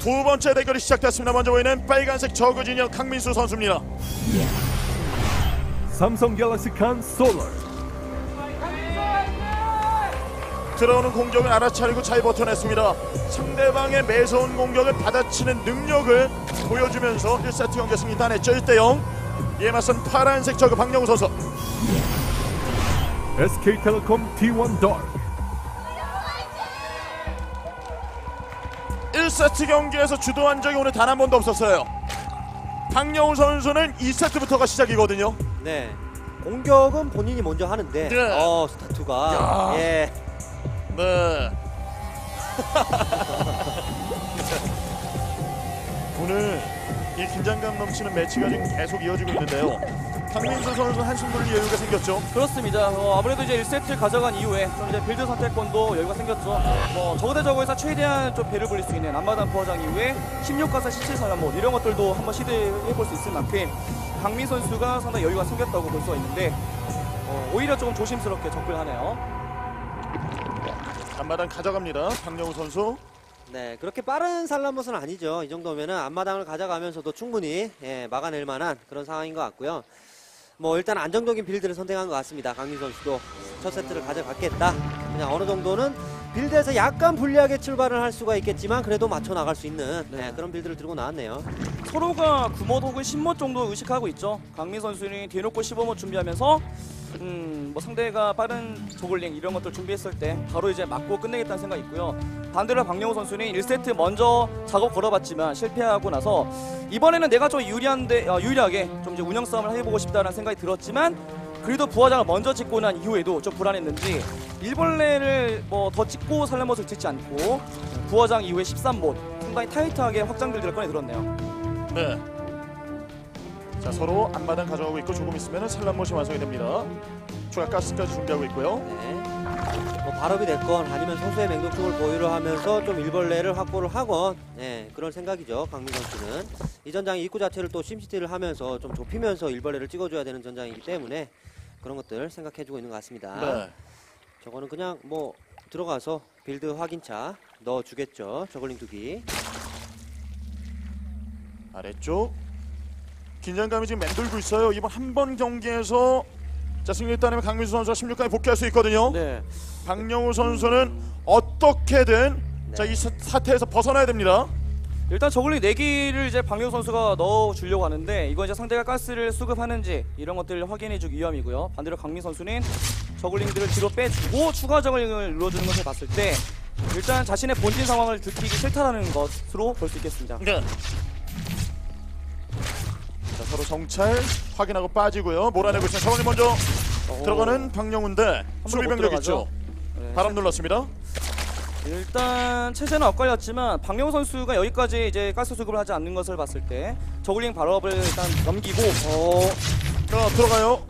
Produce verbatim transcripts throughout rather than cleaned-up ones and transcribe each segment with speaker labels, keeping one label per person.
Speaker 1: 두 번째 대결이 시작됐습니다. 먼저 보이는 빨간색 저그 진영 강민수 선수입니다.
Speaker 2: 삼성 갤럭시 칸 솔러.
Speaker 1: 들어오는 공격을 알아차리고 잘 버텨냈습니다. 상대방의 매서운 공격을 받아치는 능력을 보여주면서 일 세트 경기 승리 따냈죠. 일 대 영. 이에 맞선 파란색 저그 박영우 선수.
Speaker 2: 에스케이텔레콤 티 원 다크.
Speaker 1: 일 세트 경기에서 주도한 적이 오늘 단 한 번도 없었어요. 박영우 선수는 이 세트부터가 시작이거든요.
Speaker 3: 네. 공격은 본인이 먼저 하는데
Speaker 1: 네.
Speaker 3: 어 스타투가
Speaker 1: 야.
Speaker 3: 예.
Speaker 1: 네. 오늘 이 긴장감 넘치는 매치가 지금 계속 이어지고 있는데요. 강민수 선수 한숨 돌릴 여유가 생겼죠.
Speaker 4: 그렇습니다. 어, 아무래도 이제 일 세트 가져간 이후에 좀 이제 빌드 선택권도 여유가 생겼죠. 뭐 저거 대 저거에서 최대한 좀 배를 불릴 수 있는 앞마당 부화장 이후에 십육 가사 십칠 사연못 이런 것들도 한번 시도해볼 수 있을 만큼 강민 선수가 상당히 여유가 생겼다고 볼 수가 있는데 어, 오히려 조금 조심스럽게 접근하네요.
Speaker 1: 앞마당 가져갑니다. 박영우 선수.
Speaker 3: 네, 그렇게 빠른 살라못은 아니죠. 이 정도면은 앞마당을 가져가면서도 충분히 예, 막아낼 만한 그런 상황인 것 같고요. 뭐 일단 안정적인 빌드를 선택한 것 같습니다. 강민 선수도 첫 세트를 가져갔겠다. 그냥 어느 정도는 빌드에서 약간 불리하게 출발을 할 수가 있겠지만 그래도 맞춰 나갈 수 있는 네, 그런 빌드를 들고 나왔네요.
Speaker 4: 서로가 구 못 혹은 십 못 정도 의식하고 있죠. 강민 선수는 뒤놓고 십오 못 준비하면서 음, 뭐 상대가 빠른 저글링 이런 것들 준비했을 때 바로 이제 맞고 끝내겠다는 생각이 있고요. 반대로 박영우 선수는 일 세트 먼저 작업 걸어봤지만 실패하고 나서 이번에는 내가 좀 유리한데 어, 유리하게 좀 이제 운영 싸움을 해보고 싶다는 생각이 들었지만 그래도 부화장을 먼저 찍고 난 이후에도 좀 불안했는지 일벌레를 뭐 더 찍고 살라못을 찍지 않고 부화장 이후에 십삼 못 상당히 타이트하게 확장 빌드를 꺼내 들었네요.
Speaker 1: 네. 자, 서로 앞마당 가져가고 있고 조금 있으면 산란못이 완성이 됩니다. 추가 가스까지 준비하고 있고요.
Speaker 3: 네. 뭐 발업이 됐건 아니면 소수의 맹독충을 보유를 하면서 좀 일벌레를 확보를 하건 네, 그런 생각이죠. 강민 선수는 이 전장의 입구 자체를 또 심시티를 하면서 좀 좁히면서 일벌레를 찍어줘야 되는 전장이기 때문에 그런 것들 생각해주고 있는 것 같습니다.
Speaker 1: 네.
Speaker 3: 저거는 그냥 뭐 들어가서 빌드 확인차 넣어주겠죠. 저글링 두기.
Speaker 1: 아래쪽 긴장감이 지금 맴돌고 있어요. 이번 한 번 경기에서 자 승리를 따내면 강민수 선수가 십육 강에 복귀할 수 있거든요.
Speaker 4: 네.
Speaker 1: 박영우 선수는 어떻게든
Speaker 3: 네.
Speaker 1: 자 이 사태에서 벗어나야 됩니다.
Speaker 4: 일단 저글링 네 기를 이제 박영우 선수가 넣어주려고 하는데 이거 이제 상대가 가스를 수급하는지 이런 것들을 확인해주기 위함이고요. 반대로 강민 선수는 저글링들을 뒤로 빼주고 추가 저글링을 눌러주는 것을 봤을 때 일단 자신의 본진 상황을 들키기 싫다라는 것으로 볼 수 있겠습니다.
Speaker 1: 네. 자 서로 정찰 확인하고 빠지고요. 몰아내고 있는 상황이 먼저
Speaker 4: 오.
Speaker 1: 들어가는 박영우인데 수비
Speaker 4: 못
Speaker 1: 병력
Speaker 4: 들어가죠.
Speaker 1: 있죠.
Speaker 4: 네.
Speaker 1: 바람 눌렀습니다.
Speaker 4: 일단 체제는 엇갈렸지만 박영우 선수가 여기까지 이제 가스 수급을 하지 않는 것을 봤을 때 저글링 발업을 일단 넘기고 어,
Speaker 1: 자 들어가요.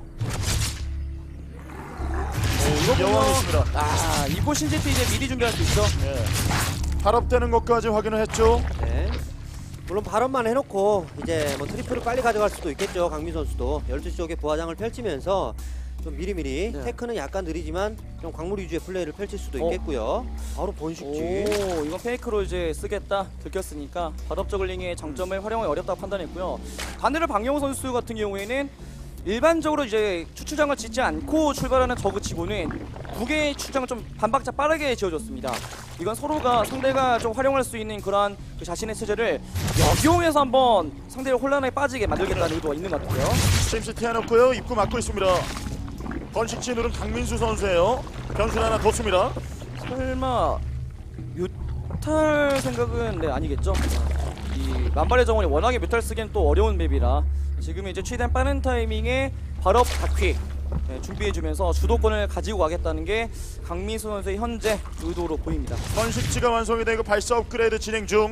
Speaker 4: 이거
Speaker 1: 여왕이
Speaker 4: 보면
Speaker 1: 있습니다.
Speaker 4: 아 이곳 신지티 이제 미리 준비할 수 있죠.
Speaker 1: 네. 발업되는 것까지 확인을 했죠.
Speaker 3: 네. 물론 발언만 해놓고 이제 뭐 트리플을 빨리 가져갈 수도 있겠죠. 강민 선수도 열두 시 쪽에 부하장을 펼치면서 좀 미리미리
Speaker 4: 네.
Speaker 3: 테크는 약간 느리지만 좀 광물 위주의 플레이를 펼칠 수도
Speaker 4: 어.
Speaker 3: 있겠고요. 바로 번식지.
Speaker 4: 오, 이건 페이크로 이제 쓰겠다 들켰으니까 발업 저글링의 장점을 활용하기 어렵다고 판단했고요. 반대로 박영우 선수 같은 경우에는 일반적으로 이제 추출장을 짓지 않고 출발하는 저그치고는 두 개의 추출장을 좀 반박자 빠르게 지어줬습니다. 이건 서로가 상대가 좀 활용할 수 있는 그러한 그 자신의 체제를 역용해서 한번 상대를 혼란에 빠지게 만들겠다는 의도가 있는 것 같고요.
Speaker 1: 심시티 해놓고요. 입구 막고 있습니다. 번식지 누른 강민수 선수예요. 변수 하나 뒀습니다.
Speaker 4: 설마 뮤탈 생각은 네 아니겠죠? 이 만발의 정원이 워낙에 뮤탈 쓰기엔 또 어려운 맵이라 지금 이제 최대한 빠른 타이밍에 발업 바퀴 네, 준비해주면서 주도권을 가지고 가겠다는 게 강민수 선수의 현재 의도로 보입니다.
Speaker 1: 번식지가 완성이 되고 발사 업그레이드 진행 중.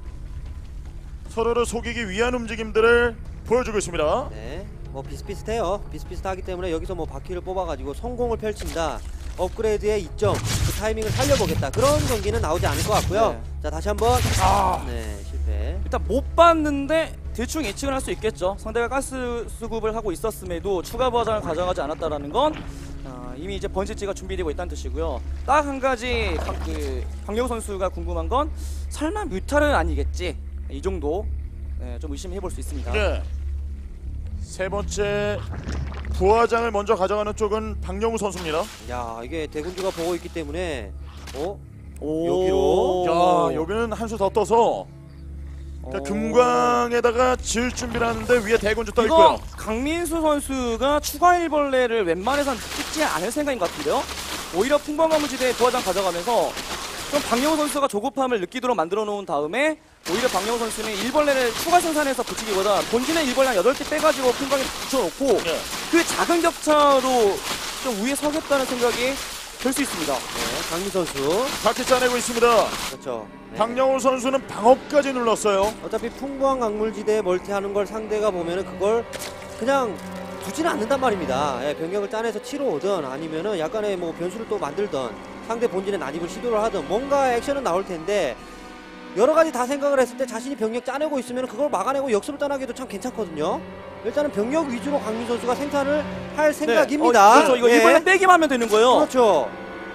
Speaker 1: 서로를 속이기 위한 움직임들을 보여주고 있습니다.
Speaker 3: 네. 뭐 비슷비슷해요. 비슷비슷하기 때문에 여기서 뭐 바퀴를 뽑아가지고 성공을 펼친다. 업그레이드의 이점, 그 타이밍을 살려보겠다. 그런 경기는 나오지 않을 것 같고요.
Speaker 4: 네.
Speaker 3: 자 다시 한번.
Speaker 4: 아,
Speaker 3: 네 실패.
Speaker 4: 일단 못 봤는데 대충 예측을 할 수 있겠죠. 상대가 가스 수급을 하고 있었음에도 추가 버전을 가져가지 않았다라는 건 아, 이미 이제 번지지가 준비되고 있다는 뜻이고요. 딱 한 가지 강, 그, 박영우 선수가 궁금한 건 설마 뮤탈은 아니겠지? 이 정도 네, 좀 의심해 볼 수 있습니다.
Speaker 1: 네. 세 번째 부화장을 먼저 가져가는 쪽은 박영우 선수입니다.
Speaker 3: 야, 이게 대군주가 보고 있기 때문에 어?
Speaker 4: 오.
Speaker 3: 여기로?
Speaker 1: 야, 여기는 한 수 더 떠서 그러니까
Speaker 4: 오.
Speaker 1: 금광에다가 지을 준비를 하는데 위에 대군주 떠
Speaker 4: 이거
Speaker 1: 있고요.
Speaker 4: 강민수 선수가 추가 일벌레를 웬만해선 찍지 않을 생각인 것 같은데요. 오히려 풍광가무지대 부화장 가져가면서 좀 박영우 선수가 조급함을 느끼도록 만들어 놓은 다음에 오히려 박영우 선수는 일벌레를 추가 생산해서 붙이기보다 본진의 일벌레 한 여덟 개 빼가지고 풍광에 붙여놓고
Speaker 1: 네.
Speaker 4: 그 작은 격차로 좀 위에 서겠다는 생각이 들 수 있습니다.
Speaker 3: 네, 강민 선수.
Speaker 1: 바퀴 짜내고 있습니다.
Speaker 3: 그렇죠. 네.
Speaker 1: 박영우 선수는 방어까지 눌렀어요.
Speaker 3: 어차피 풍부한 강물지대에 멀티하는 걸 상대가 보면은 그걸 그냥 두지는 않는단 말입니다. 예, 변경을 짜내서 치러 오든 아니면은 약간의 뭐 변수를 또 만들든 상대 본진에 난입을 시도를 하든 뭔가 액션은 나올 텐데 여러 가지 다 생각을 했을 때 자신이 병력 짜내고 있으면 그걸 막아내고 역습을 따나기도 참 괜찮거든요. 일단은 병력 위주로 강민 선수가 생산을 할 생각입니다.
Speaker 4: 네. 어, 그렇죠. 이거
Speaker 3: 예.
Speaker 4: 일벌레 빼기만 하면 되는 거예요.
Speaker 3: 그렇죠.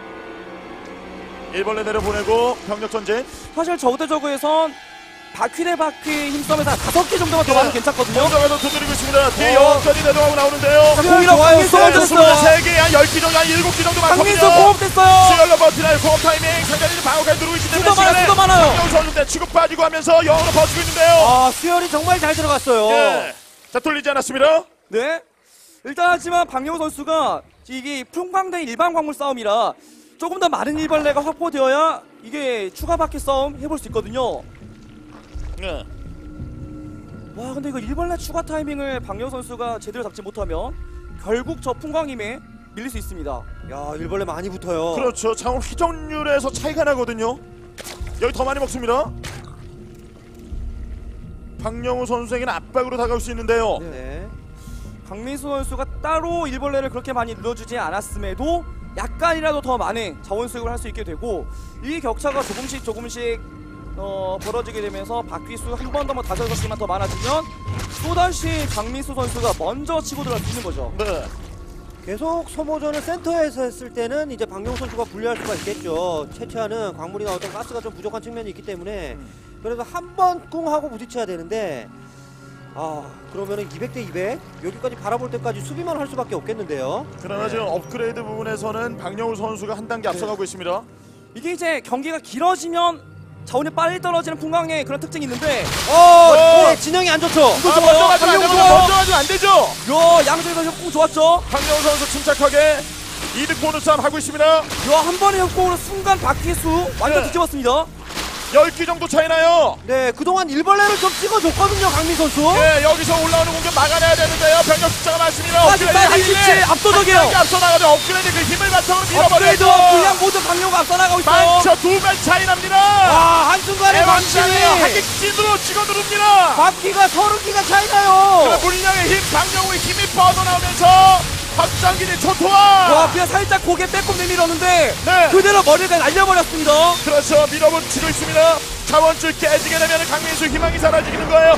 Speaker 1: 일벌레 내려보내고 병력 전진.
Speaker 4: 사실 저그대 저그에선 바퀴 대 바퀴 힘싸움에서 다섯 개 정도만 더 가면 괜찮거든요.
Speaker 1: 먼저 가서 두드리고 있습니다. 뒤에
Speaker 3: 어.
Speaker 1: 영까지 내려가고 나오는데요.
Speaker 4: 자, 공이랑
Speaker 3: 좋아요.
Speaker 4: 강민수
Speaker 3: 좋아요.
Speaker 4: 먼저 됐어요.
Speaker 1: 스물세 개, 한 열 개 정도, 한 일곱 개 정도
Speaker 4: 강민수
Speaker 1: 많거든요.
Speaker 4: 공업됐어요.
Speaker 1: 수열로 버티나요. 공업 타이밍. 상대는 방어까지 누르고 있기 때문에
Speaker 4: 수도 많아요, 수도 많아요.
Speaker 1: 박영우 선수인데 치고 빠지고 하면서 영으로 버티고 있는데요.
Speaker 3: 아, 수열이 정말 잘 들어갔어요.
Speaker 1: 예. 자, 뚫리지 않았습니다.
Speaker 4: 네. 일단 하지만 박영우 선수가 이게 풍광 대 일반 광물 싸움이라 조금 더 많은 일벌레가 확보되어야 이게 추가 바퀴 싸움 해볼 수 있거든요.
Speaker 1: 예.
Speaker 4: 와 근데 이거 일벌레 추가 타이밍을 박영우 선수가 제대로 잡지 못하면 결국 저 풍광임에 밀릴 수 있습니다.
Speaker 3: 야, 일벌레 많이 붙어요.
Speaker 1: 그렇죠. 장원 휘정률에서 차이가 나거든요. 여기 더 많이 먹습니다. 박영우 선수에게는 압박으로 다가올 수 있는데요.
Speaker 3: 네.
Speaker 4: 강민수 선수가 따로 일벌레를 그렇게 많이 눌러주지 않았음에도 약간이라도 더 많은 자원 수급을 할 수 있게 되고 이 격차가 조금씩 조금씩 어, 벌어지게 되면서 바퀴수 한 번 더 뭐 다섯 개만 더 많아지면 또다시 강민수 선수가 먼저 치고 들어갈 수 있는 거죠.
Speaker 1: 네.
Speaker 3: 계속 소모전을 센터에서 했을 때는 이제 박영우 선수가 불리할 수가 있겠죠. 채취하는 광물이나 어떤 가스가 좀 부족한 측면이 있기 때문에 그래서 한 번 꿍 하고 부딪혀야 되는데 아 그러면은 이백 대 이백 여기까지 바라볼 때까지 수비만 할 수밖에 없겠는데요.
Speaker 1: 그러나 지금 업그레이드 부분에서는 박영우 선수가 한 단계 앞서가고 있습니다.
Speaker 4: 이게 이제 경기가 길어지면 자원이 빨리 떨어지는 풍광의 그런 특징이 있는데
Speaker 3: 어,
Speaker 1: 어!
Speaker 3: 네, 진영이 안 좋죠.
Speaker 1: 아, 먼저 가지면 안 되죠.
Speaker 4: 박영우
Speaker 1: 먼저 가지면 안 되죠.
Speaker 4: 요 양쪽에서 협공 좋았죠.
Speaker 1: 박영우 선수 침착하게 이득 보는 싸움 하고 있습니다.
Speaker 4: 요 한 번의 협공으로 순간 바퀴수 완전
Speaker 1: 네.
Speaker 4: 뒤집었습니다.
Speaker 1: 열 개 정도 차이 나요.
Speaker 3: 네, 그동안 일벌레를 좀 찍어줬거든요, 강민 선수.
Speaker 1: 예, 여기서 올라오는 공격 막아내야 되는데요. 병력 숫자가 많습니다.
Speaker 4: 아직까지 일치 압도적이에요.
Speaker 1: 앞서 나가죠. 업그레이드 그 힘을 바탕으로
Speaker 4: 업그레이드
Speaker 1: 밀어버려요.
Speaker 4: 분량 모두 박영우가 앞서 나가고 있어요.
Speaker 1: 많죠. 두 배 차이 납니다.
Speaker 3: 아, 한순간에
Speaker 1: 대왕장이
Speaker 3: 박진이
Speaker 1: 하객진으로 찍어 누릅니다.
Speaker 3: 바퀴가 서른 기가 차이 나요.
Speaker 1: 물량의 힘, 박영우의 힘이 뻗어나오면서 확장기지 초토화.
Speaker 4: 와 그냥 살짝 고개 빼꼼 내밀었는데
Speaker 1: 네.
Speaker 4: 그대로 머리를 날려버렸습니다.
Speaker 1: 그렇죠. 밀어붙이고 있습니다. 자원줄 깨지게 되면 강민수 희망이 사라지는 거예요.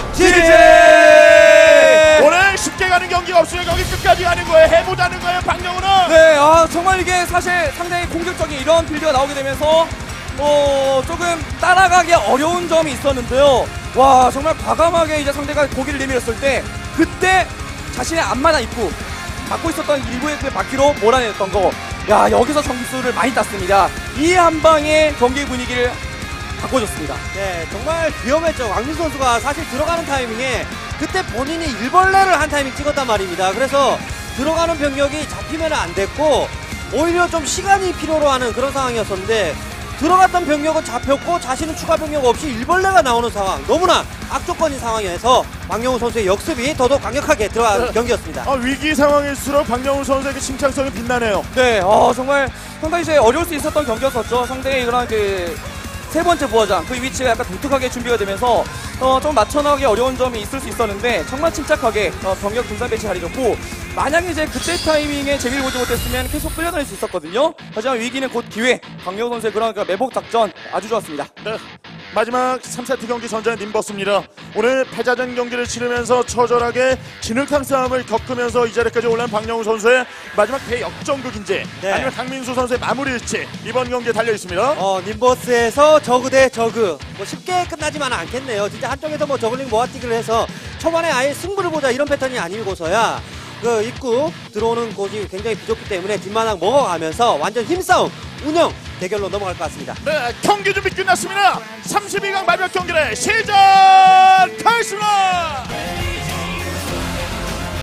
Speaker 3: 지제!
Speaker 1: 오늘 쉽게 가는 경기가 없으면 여기 끝까지 가는 거예요. 해보자는 거예요. 박영우는.
Speaker 4: 네, 아 정말 이게 사실 상당히 공격적인 이런 빌드가 나오게 되면서 어 조금 따라가기 어려운 점이 있었는데요. 와 정말 과감하게 이제 상대가 고기를 내밀었을 때 그때 자신의 앞마당 입구 막고 있었던 일부의 그 바퀴로 몰아냈던 거. 야 여기서 점수를 많이 땄습니다. 이 한 방에 경기 분위기를 바꿔줬습니다.
Speaker 3: 네, 정말 위험했죠. 왕민 선수가 사실 들어가는 타이밍에 그때 본인이 일벌레를 한 타이밍 찍었단 말입니다. 그래서 들어가는 병력이 잡히면 안 됐고 오히려 좀 시간이 필요로 하는 그런 상황이었었는데 들어갔던 병력은 잡혔고 자신은 추가 병력 없이 일벌레가 나오는 상황, 너무나 악조건인 상황에서 박영우 선수의 역습이 더더욱 강력하게 들어간
Speaker 1: 네.
Speaker 3: 경기였습니다.
Speaker 1: 아, 위기 상황일수록 박영우 선수에게 침착성이 빛나네요.
Speaker 4: 네, 어, 정말 상당히 이제 어려울 수 있었던 경기였었죠. 상대의 그런 그 세 번째 부하장 그 위치가 약간 독특하게 준비가 되면서 어, 좀 맞춰나가기 어려운 점이 있을 수 있었는데 정말 침착하게 어, 병력 분산 배치 잘해줬고 만약에 이제 그때 타이밍에 재미를 보지 못했으면 계속 끌려다닐 수 있었거든요. 하지만 위기는 곧 기회. 박영우 선수의 그런 그 매복 작전 아주 좋았습니다.
Speaker 1: 네. 마지막 삼 세트 경기 전자의 님버스입니다. 오늘 패자전 경기를 치르면서 처절하게 진흙탕 싸움을 겪으면서 이 자리까지 올라온 박영우 선수의 마지막 대역전극인지
Speaker 3: 네.
Speaker 1: 아니면 강민수 선수의 마무리일지 이번 경기에 달려 있습니다.
Speaker 3: 어, 님버스에서 저그 대 저그. 뭐 쉽게 끝나지만은 않겠네요. 진짜 한쪽에서 뭐 저글링 모아뛰기를 해서 초반에 아예 승부를 보자 이런 패턴이 아니고서야 그 입구 들어오는 곳이 굉장히 부족기 때문에 뒷마당 먹어가면서 완전 힘싸움, 운영 대결로 넘어갈 것 같습니다.
Speaker 1: 네, 경기 준비 끝났습니다. 삼십이 강 마지막 경기를 시작하겠습니다.